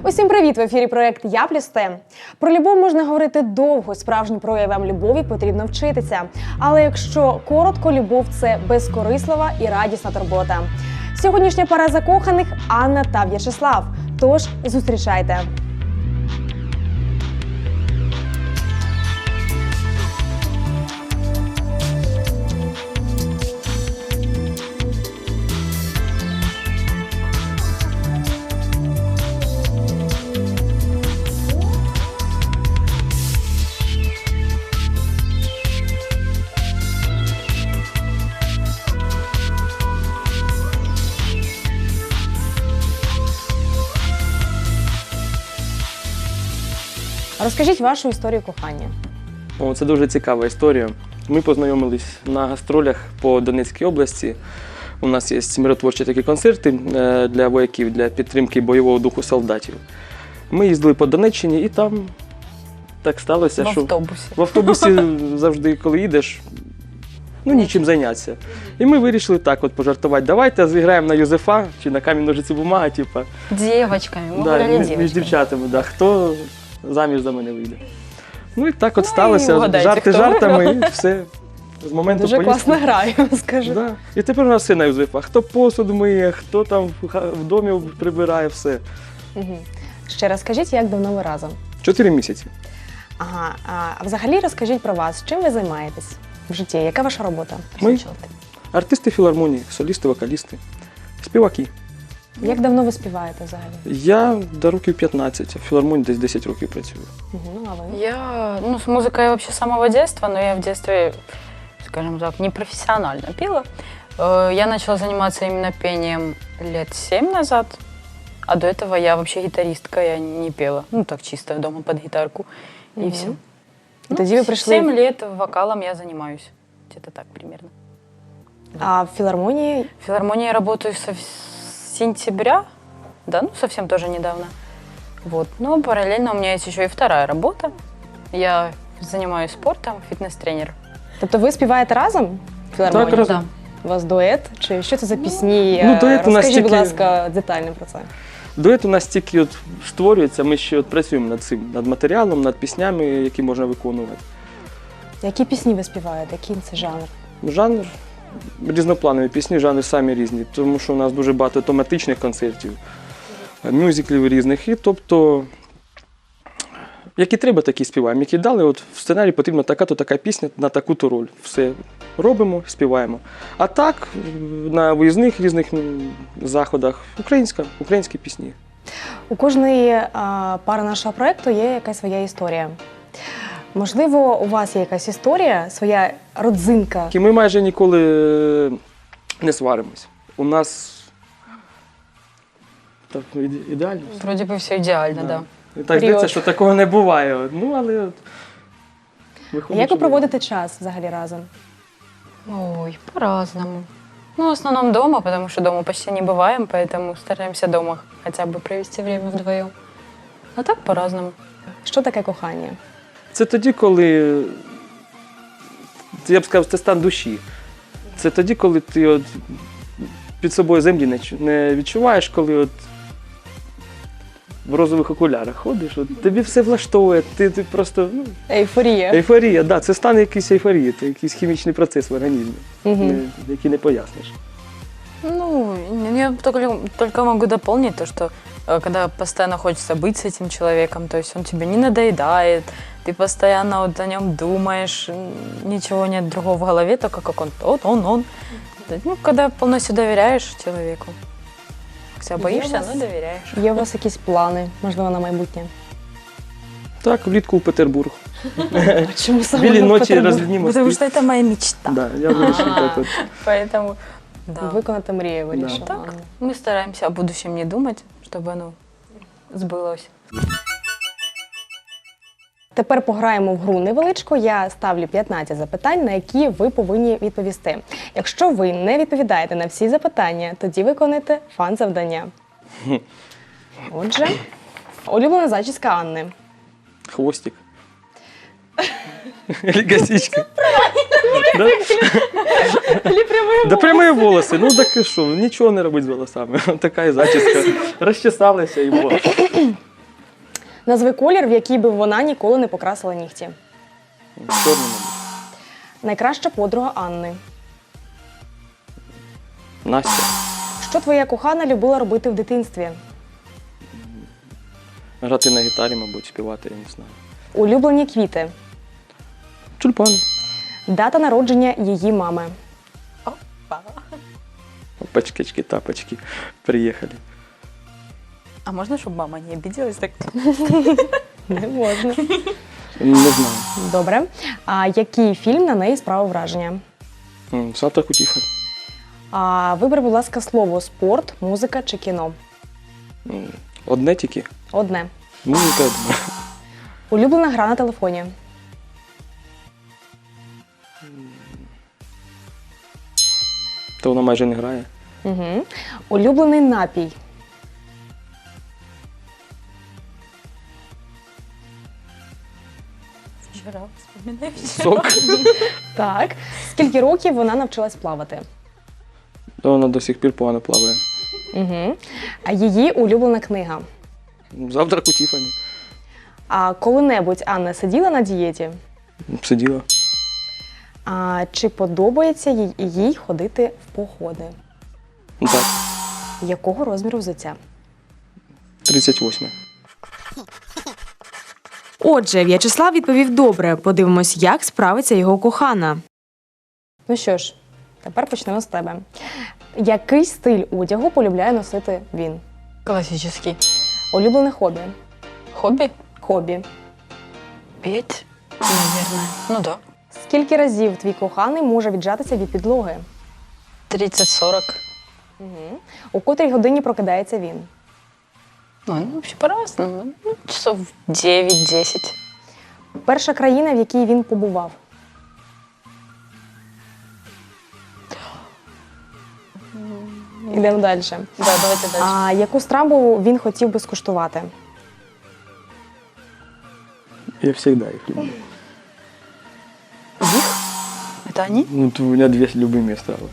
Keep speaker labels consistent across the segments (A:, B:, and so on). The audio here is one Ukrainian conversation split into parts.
A: Усім привіт! В ефірі проєкт «Я плюс Те». Про любов можна говорити довго, справжнім проявам любові потрібно вчитися. Але якщо коротко, любов – це безкорислива і радісна турбота. Сьогоднішня пара закоханих – Анна та В'ячеслав. Тож, зустрічайте! Розкажіть вашу історію кохання.
B: Це дуже цікава історія. Ми познайомились на гастролях по Донецькій області. У нас є миротворчі такі концерти для вояків, для підтримки бойового духу солдатів. Ми їздили по Донеччині і там так сталося, що в автобусі завжди, коли їдеш, нічим зайнятися. І ми вирішили так от пожартувати. Давайте зіграємо на Юзефа чи на камінь, ножиці, бумага.
C: Дівчатками, ми гуляли дівчатками.
B: Між дівчатами, хто заміж за мене вийде. І так от сталося, жарти жартами, і все. З моменту
A: дуже
B: поїздки.
A: Класно граю, скажу.
B: Да. І тепер у нас все на Юзефа. Хто посуд миє, хто там в домі прибирає, все.
A: Угу. Ще раз скажіть, як давно ви разом?
B: 4 місяці.
A: Ага, а взагалі розкажіть про вас, чим ви займаєтесь в житті, яка ваша робота?
B: Ми артисти філармонії, солісти, вокалісти, співаки.
A: Як давно ви співаєте взагалі?
B: Я до років 15, а в філармонії десь 10 років працюю.
A: Угу, а ви?
C: Я, с музыкой я вообще с самого детства, но я в детстве, скажем так, непрофессионально пела. Я начала заниматься именно пением лет 7 назад, а до этого я вообще гитаристка, я не пела. Так чисто дома под гитарку, и все.
A: Тоді ви прийшли...
C: 7 лет вокалом я занимаюсь, где-то так примерно.
A: А в филармонии?
C: В филармонии я работаю с сентября, да, совсем тоже недавно. Вот. Но параллельно у меня есть еще и вторая работа. Я занимаюсь спортом, фітнес-тренер.
A: Тобто ви співаєте разом в філармонії?
B: Так, разом.
A: У вас дует? Чи що це за пісні?
B: Дует у нас
A: Розкажіть, будь
B: тільки...
A: ласка, детально про це.
B: Дует у нас тільки створюється, ми ще працюємо над цим, над матеріалом, над піснями, які можна виконувати.
A: Які пісні ви співаєте? Який це жанр?
B: Жанр різнопланові пісні, жанри самі різні, тому що у нас дуже багато тематичних концертів, мюзиклів різних. І тобто, які треба, такі співаємо. Які дали, от в сценарії потрібна така-то така пісня на таку-то роль. Все робимо, співаємо. А так, на виїзних різних заходах українські пісні.
A: У кожної пари нашого проєкту є якась своя історія. Можливо, у вас є якась історія, своя родзинка?
B: Ми майже ніколи не сваримось. У нас так, ідеально.
C: Вроде бы все идеально, да.
B: І так здається, що такого не буває. Але виходить,
A: як ви проводите час взагалі разом?
C: Ой, по-разному. В основном дома, потому что дома почти не бываем, поэтому стараемся дома хотя бы провести время вдвоем. А так по-разному.
A: Що таке кохання?
B: Це тоді, коли, я б сказав, це стан душі. Це тоді, коли ти от під собою землі не відчуваєш, коли от в розових окулярах ходиш, от тобі все влаштовує, ти просто...
A: Ейфорія.
B: Ейфорія, так, це стан якийсь ейфорії, це якийсь хімічний процес в організмі, який не поясниш.
C: Я только могу дополнить то, что когда постоянно хочется быть с этим человеком, то есть он тебе не надоедает, ты постоянно вот о нем думаешь, ничего нет другого в голове, только как он. Когда полностью доверяешь человеку. Хотя боишься, но доверяешь.
A: Є у вас якісь плани, можливо, на майбутнє?
B: Так, влітку в Петербург.
A: Чому саме
B: Білі
A: в
B: ночі,
A: Петербург?
B: розлідні мости.
C: Потому что это моя мечта.
B: Да, я вирішив так от.
C: Поэтому, да.
A: Виконати мрію вирішила.
C: Так, мы стараемся о будущем не думать, чтобы оно сбылось.
A: Тепер пограємо в гру невеличку. Я ставлю 15 запитань, на які ви повинні відповісти. Якщо ви не відповідаєте на всі запитання, тоді виконуєте фан-завдання. Отже, улюблена зачіска Анни.
B: Хвостик. Или косичка. Да? Да прямые волосы. Ну так і що, нічого не робить з волосами. Така і зачіска. Розчесалася і було.
A: Назви колір, в який би вона ніколи не покрасила нігті.
B: Чорний, мабуть.
A: Найкраща подруга Анни.
B: Настя.
A: Що твоя кохана любила робити в дитинстві?
B: Грати на гітарі, мабуть, співати, я не знаю.
A: Улюблені квіти.
B: Тюльпани.
A: Дата народження її мами.
B: Опачки, тапочки. Приїхали.
C: А можно, чтобы мама не обиделась? Так?
A: Не можна.
B: Не знаю.
A: Добре. А який фільм на неї справив враження?
B: Завтрак у Тіфані.
A: А вибери, будь ласка, слово спорт, музика чи кіно.
B: Одне тільки.
A: Одне.
B: Музика, я думаю.
A: Улюблена гра на телефоні.
B: То вона майже не грає.
A: Угу. Улюблений напій.
C: Вчера вспоминаю.
B: Сок.
A: Так. Скільки років вона навчилась плавати?
B: То вона до сих пір погано плаває.
A: Угу. А її улюблена книга.
B: Завтрак у Тіфані.
A: А коли-небудь Анна сиділа на дієті?
B: Сиділа.
A: А чи подобається їй ходити в походи?
B: Так.
A: Якого розміру взуття?
B: 38.
D: Отже, В'ячеслав відповів добре. Подивимось, як справиться його кохана.
A: Ну що ж, тепер почнемо з тебе. Який стиль одягу полюбляє носити він?
C: Классический.
A: Улюблене хобі?
C: Хобби?
A: Хобі.
C: Петь, наверное. Ну да.
A: Скільки разів твій коханий може віджатися від підлоги?
C: 30-40.
A: Угу. У котрій годині прокидається він?
C: Ну, вообще по-разному. Ну, часов 9-10.
A: Перша країна, в якій він побував? Йдемо далі.
C: Да, давайте дальше.
A: А яку страву він хотів би скуштувати?
B: Я завжди їх люблю.
C: Это они?
B: Ну, то у мене дві любимі страви.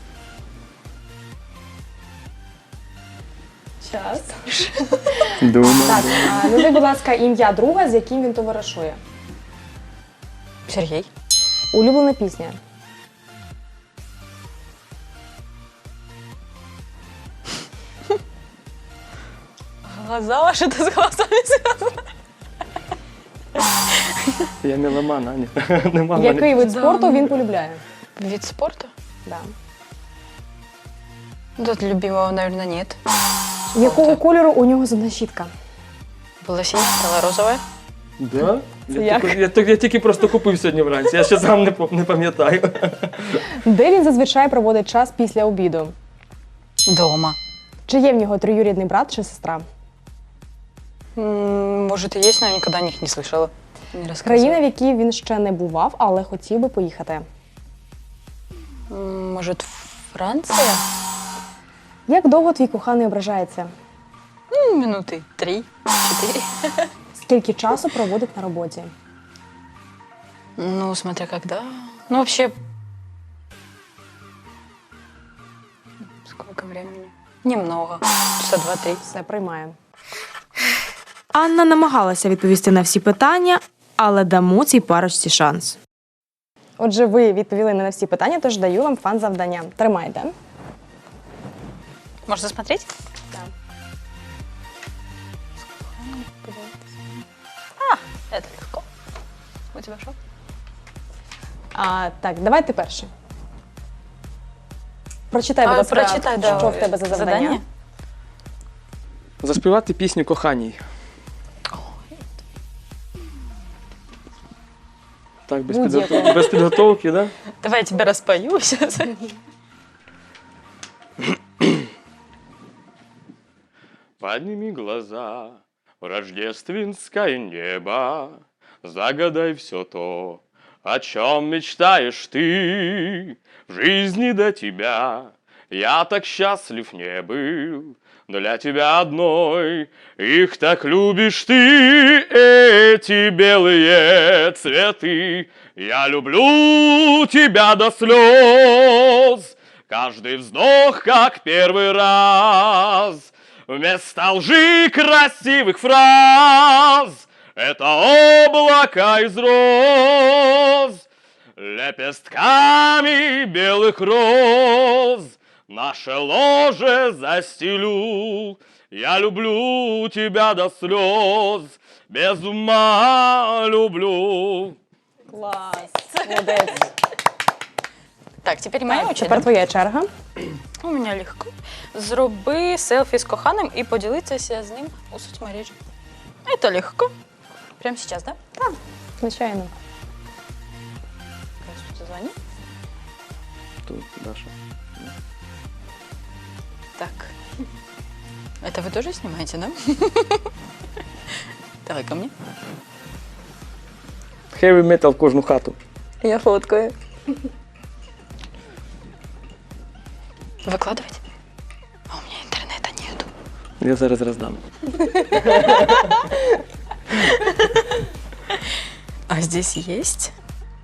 A: Час.
B: Думаю.
A: Так, назві, будь ласка, ім'я друга, з яким він товаришує.
C: Сергей.
A: Улюблена пісня.
C: Глаза ваши, это с глазами связано.
B: Я меломан, Аня. Нема в
A: Який
B: мене.
A: вид спорту він полюбляє?
C: Вид спорта?
A: Да.
C: Тут любимого, наверное, нет.
A: Якого кольору у нього зубна щітка?
C: Была синяя, стала розовая.
B: Да?
A: як?
B: Я тільки просто купив сьогодні вранці, я ще сам не пам'ятаю.
A: Де він зазвичай проводить час після обіду?
C: Дома.
A: Чи є в нього троюрідний брат чи сестра?
C: Может и есть, но я никогда о них не слышала. Не рассказывала.
A: Країна, в якій він ще не бував, але хотів би поїхати.
C: Может, Франция?
A: Як довго твій коханий ображається?
C: Минуты 3-4.
A: Скільки часу проводить на роботі?
C: Ну, смотря когда. Ну, вообще... Сколько времени? Немного. Часа 2-3.
A: Все, приймає.
D: Анна намагалася відповісти на всі питання, але дамо цій парочці шанс.
A: Отже, ви відповіли не на всі питання, тож даю вам фан-завдання. Тримайте.
C: Можно смотреть?
A: Так.
C: Это легко. У тебя что?
A: Так, давай ти перший. Прочитай, будь ласка,
C: прочитай, да,
A: що в тебе за завдання.
B: Заспівати пісню коханій. Так,
A: Будь-яку.
B: без підготовки, да?
C: Давай я тебя распою сейчас.
B: Подними глаза в рождественское небо, загадай все то, о чем мечтаешь ты. В жизни до тебя я так счастлив не был, для тебя одной их так любишь ты, эти белые цветы. Я люблю тебя до слез, каждый вздох как первый раз. Вместо лжи красивых фраз это облака из роз, лепестками белых роз наше ложе застелю. Я люблю тебя до слез, без ума люблю.
A: Клас! Молодець.
C: Так, теперь моя очередь.
A: Тепер твоя черга.
C: У мене легко. Зроби селфі з коханим і поділитися з ним у соцмережі. Це легко. Прямо зараз, да?
A: Звичайно.
C: Здравствуйте, звони.
B: Тут Даша.
C: Так. Это вы тоже снимаете, да? Давай ко мне.
B: Heavy metal в кожну хату.
C: Я фоткаю. Выкладывать? А у меня интернета нету.
B: Я зараз роздам.
C: А здесь есть?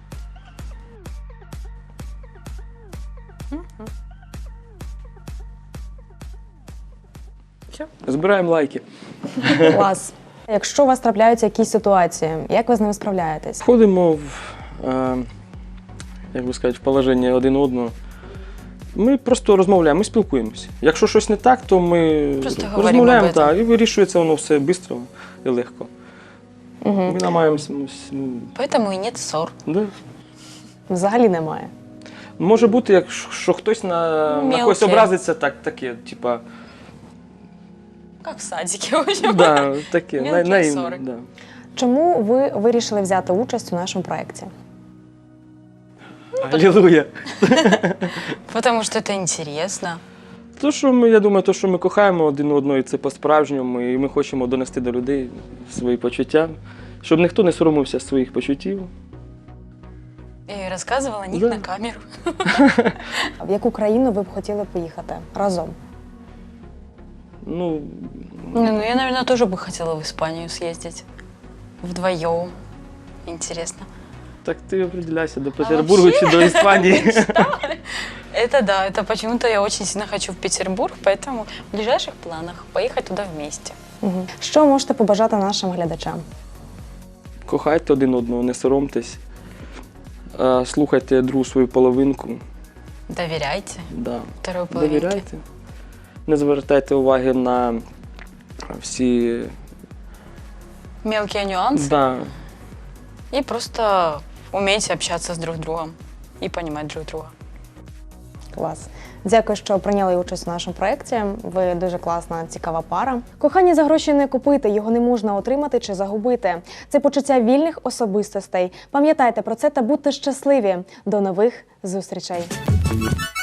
B: Збираємо лайки.
A: Клас. Якщо у вас трапляються якісь ситуації, як ви з ними справляєтесь?
B: Входимо в, як би сказати, в положення один одного. Ми просто розмовляємо, ми спілкуємося. Якщо щось не так, то ми
C: Просто говоримо
B: розмовляємо
C: об этом.
B: так, і вирішується воно все швидко і легко. Ми намагаємося.
C: Поэтому и нет ссор.
B: Да.
A: Взагалі немає.
B: Може бути, якщо хтось на
C: Мелке.
B: когось образиться, таке, типа,
C: Как в садике, в общем.
B: да, таке,
C: Мелкі
B: наївне.
C: ссори.
B: Да.
A: Чому ви вирішили взяти участь у нашому проєкті?
B: Алілуя.
C: Потому что это интересно.
B: Я думаю, що ми кохаємо один одного, і це по-справжньому, і ми хочемо донести до людей свої почуття, щоб ніхто не соромився своїх почуттів.
C: И рассказывала о них
B: Да.
C: на камеру.
A: В яку країну ви б хотіли поїхати разом?
B: Ну,
C: Ну, я, наверное, тоже бы хотела в Испанию съездить. Вдвоем. Интересно.
B: так ти определяйся, до Петербургу чи до Іспанії.
C: Это да, это почему-то я очень сильно хочу в Петербург, поэтому в ближайших планах поехать туда вместе.
A: Угу. Що можете побажати нашим глядачам?
B: Кохайте один одного, не соромтесь. Слухайте другу свою половинку.
C: Доверяйте
B: Да.
C: второй половинке.
B: Довіряйте. Не звертайте уваги на всі.
C: Мелкие нюансы.
B: Да.
C: И просто умейте общаться с друг другом и понимать друг друга.
A: Клас. Дякую, що прийняли участь у нашому проєкті. Ви дуже класна, цікава пара. Кохання за гроші не купити, його не можна отримати чи загубити. Це почуття вільних особистостей. Пам'ятайте про це та будьте щасливі. До нових зустрічей!